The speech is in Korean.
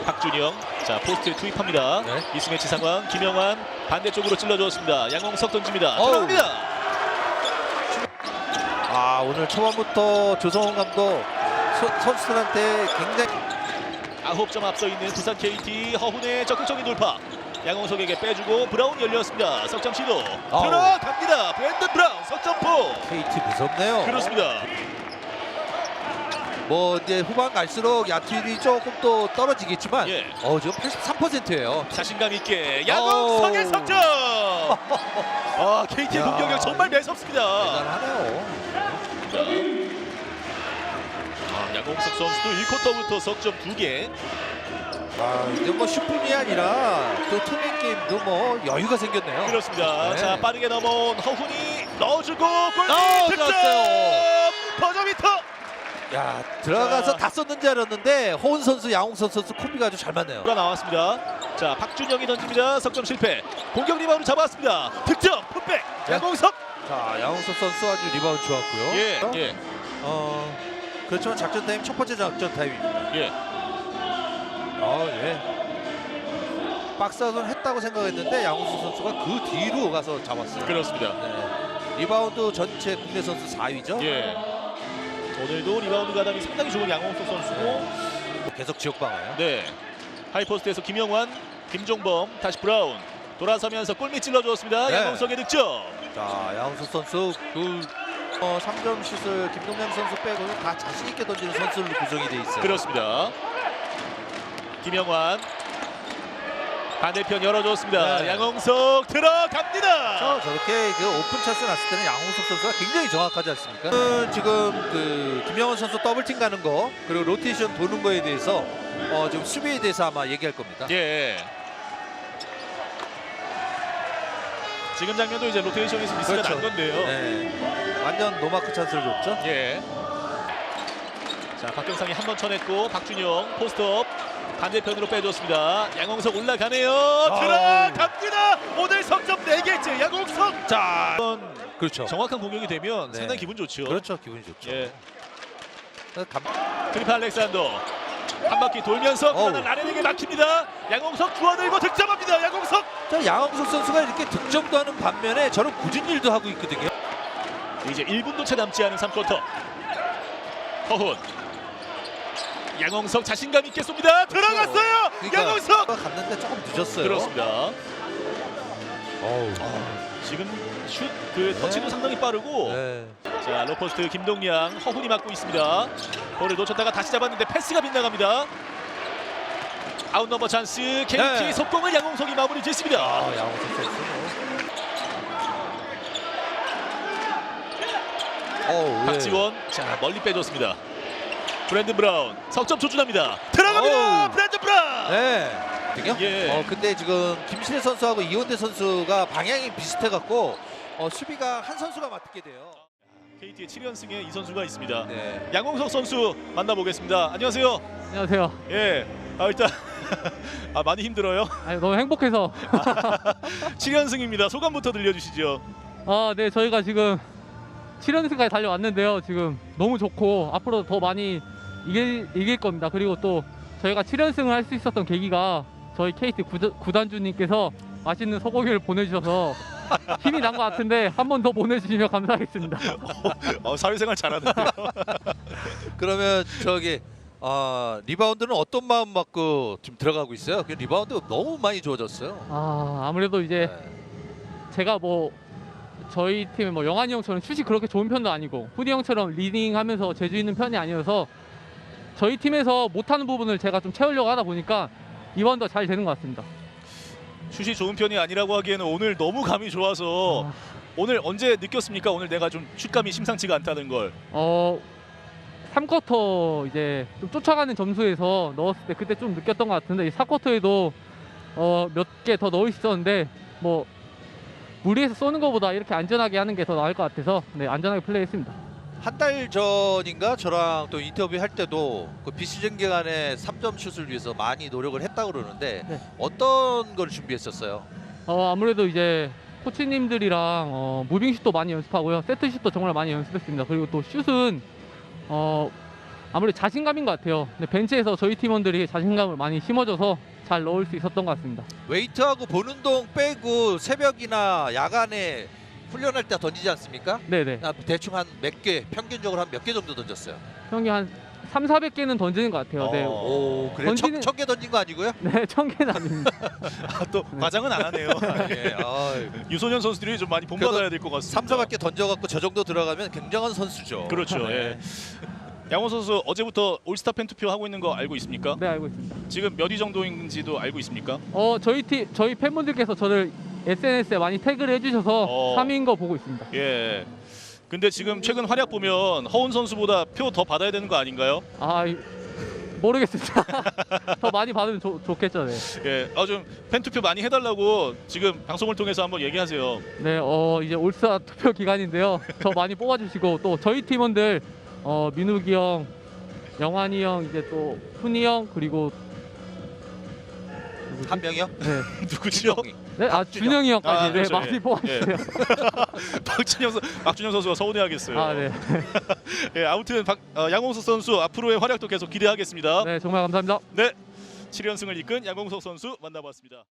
박준영 자 포스트에 투입합니다. 네. 미스매치 상황. 김영환 반대쪽으로 찔러주었습니다. 양홍석 던집니다. 어우. 들어갑니다. 오늘 초반부터 조성훈 감독 선수들한테 굉장히 9점 앞서 있는 부산 KT. 허훈의 적극적인 돌파. 양홍석에게 빼주고 브라운 열렸습니다. 석점 시도 아우. 들어갑니다. 브랜든 브라운 석점포. KT 무섭네요. 그렇습니다. 뭐 이제 후반 갈수록 야투율이 조금 또 떨어지겠지만 예. 지금 83%예요. 자신감 있게 양홍석의 석점. KT의 야. 공격력 정말 매섭습니다. 대단하네요. 양홍석 선수도 1쿼터부터 석점 2개. 이제 뭐 슈퍼이 아니라 또 투맨 게임도 뭐 여유가 생겼네요. 그렇습니다. 네. 자 빠르게 넘어온 허훈이 넣어주고 골 득점. 들어갔어요. 버저비터. 야, 들어가서 자. 다 썼는 줄 알았는데 호은 선수, 양홍석 선수 콤비가 아주 잘 맞네요. 가 나왔습니다. 자 박준영이 던집니다. 석점 실패. 공격 리바운드 잡았습니다. 득점 풋백. 네. 양홍석. 자, 양홍석 선수 아주 리바운드 좋았고요. 예. 그렇지만 작전 타임 첫 번째 작전 타임입니다. 예. 박스아웃은 했다고 생각했는데 양홍석 선수가 그 뒤로 가서 잡았어요. 그렇습니다. 네. 리바운드 전체 국내 선수 4위죠. 예. 오늘도 리바운드 가담이 상당히 좋은 양홍석 선수고. 계속 지역방어요. 네. 하이포스트에서 김영환, 김종범, 다시 브라운 돌아서면서 골밑 찔러주었습니다. 네. 양홍석의 득점. 자, 양홍석 선수 3점 슛을 김동현 선수 빼고는 다 자신 있게 던지는 선수로 구성이 돼 있어요. 그렇습니다. 김영환 반대편 열어줬습니다. 네. 양홍석 들어갑니다. 저렇게 그 오픈 찬스 났을 때는 양홍석 선수가 굉장히 정확하지 않습니까? 지금 그 김영환 선수 더블팀 가는 거 그리고 로테이션 도는 거에 대해서 지금 수비에 대해서 아마 얘기할 겁니다. 예. 지금 장면도 이제 로테이션에서 미스가 그렇죠. 난 건데요. 네. 완전 노마크 찬스를 줬죠. 예. 자 박경상이 한 번 쳐냈고 박준영 포스트업 반대편으로 빼줬습니다. 양홍석 올라가네요. 들어갑니다. 오늘 석점 4개째 양홍석. 자 그렇죠. 정확한 공격이 되면 네. 상당히 기분 좋죠. 그렇죠. 기분이 좋죠. 예. 트리플 알렉산더 한 바퀴 돌면서 그러나 라렌에게 막힙니다. 양홍석 주워들고 득점합니다. 양홍석. 양홍석 선수가 이렇게 득점도 하는 반면에 저런 굳은 일도 하고 있거든요. 이제 1분도 채 남지 않은 3쿼터. 허훈. 양홍석 자신감 있게 쏩니다. 들어갔어요. 그러니까 양홍석. 갔는데 조금 늦었어요. 그렇습니다. 지금 슛 그 터치도 상당히 빠르고. 네. 자 로포스트 김동량 허훈이 맡고 있습니다. 볼을 놓쳤다가 다시 잡았는데 패스가 빗나갑니다. 아웃 넘버 찬스. KT 네. 속공을 양홍석이 마무리 짓습니다. 양홍석 선수. 박지원 자 멀리 빼줬습니다. 브랜든 브라운 석점 조준합니다. 들어갑니다. 브랜든 브라운. 네. 예. 근데 지금 김신혜 선수하고 이원대 선수가 방향이 비슷해갖고 수비가 한 선수가 맡게 돼요. KT의 7연승에 이 선수가 있습니다. 네. 양홍석 선수 만나보겠습니다. 안녕하세요. 안녕하세요. 예. 일단 많이 힘들어요. 너무 행복해서. 7연승입니다. 소감부터 들려주시죠. 네, 저희가 지금 7연승까지 달려왔는데요. 지금 너무 좋고 앞으로 더 많이 이길 겁니다. 그리고 또 저희가 7연승을 할 수 있었던 계기가 저희 KT 구단주님께서 맛있는 소고기를 보내주셔서 힘이 난 것 같은데 한 번 더 보내주시면 감사하겠습니다. 사회생활 잘하는데요. 그러면 리바운드는 어떤 마음 갖고 지금 들어가고 있어요? 리바운드 너무 많이 좋아졌어요. 아무래도 이제 제가 저희 팀의 영환이 형처럼 슛이 그렇게 좋은 편도 아니고 후디 형처럼 리딩하면서 재주 있는 편이 아니어서 저희 팀에서 못하는 부분을 제가 좀 채우려고 하다 보니까 리바운드가 잘 되는 것 같습니다. 슛이 좋은 편이 아니라고 하기에는 오늘 너무 감이 좋아서 오늘 언제 느꼈습니까? 오늘 내가 좀 슛감이 심상치가 않다는 걸. 3쿼터 이제 좀 쫓아가는 점수에서 넣었을 때 그때 좀 느꼈던 것 같은데 4쿼터에도 몇 개 더 넣을 수 있었는데 무리해서 쏘는 것보다 이렇게 안전하게 하는 게 더 나을 것 같아서 안전하게 플레이했습니다. 한 달 전인가 저랑 또 인터뷰 할 때도 그 비시즌 기간에 3점 슛을 위해서 많이 노력을 했다고 그러는데 어떤 걸 준비했었어요? 아무래도 이제 코치님들이랑 무빙슛도 많이 연습하고요. 세트슛도 정말 많이 연습했습니다. 그리고 또 슛은 아무래도 자신감인 것 같아요. 근데 벤치에서 저희 팀원들이 자신감을 많이 심어줘서 잘 넣을 수 있었던 것 같습니다. 웨이트하고 보는 동 빼고 새벽이나 야간에 훈련할 때 던지지 않습니까? 네네. 대충 한 몇 개, 평균적으로 한 몇 개 정도 던졌어요? 평균 한 3,400개는 던지는 것 같아요. 네. 오, 그래 던지는- 1,000개 던진 거 아니고요? 네, 1,000개는 아닙니다. 또 과장은 안 하네요. 예, 유소년 선수들이 좀 많이 본받아야 될 것 같습니다. 3사밖에 던져갖고 저 정도 들어가면 굉장한 선수죠. 그렇죠. 예. 양호 선수 어제부터 올스타 팬 투표 하고 있는 거 알고 있습니까? 네, 알고 있습니다. 지금 몇 위 정도인지도 알고 있습니까? 저희 팬분들께서 저를 SNS에 많이 태그를 해주셔서 3위인 거 보고 있습니다. 예. 근데 지금 최근 활약 보면 허운 선수보다 표 더 받아야 되는 거 아닌가요? 모르겠습니다. 더 많이 받으면 좋겠죠. 네. 예. 좀 팬 투표 많이 해달라고 지금 방송을 통해서 한번 얘기하세요. 네, 이제 올스타 투표 기간인데요. 저 많이 뽑아주시고 또 저희 팀원들 민욱이 형, 영환이 형, 이제 또 훈이 형 그리고 한 명이요? 네, 누구죠? 네, 준영이 형까지 네, 그렇죠. 많이 예. 뽑아주세요. 박준영 선수가 서운해하겠어요. 네, 예, 아무튼 양홍석 선수 앞으로의 활약도 계속 기대하겠습니다. 네, 정말 감사합니다. 네, 7연승을 이끈 양홍석 선수 만나봤습니다.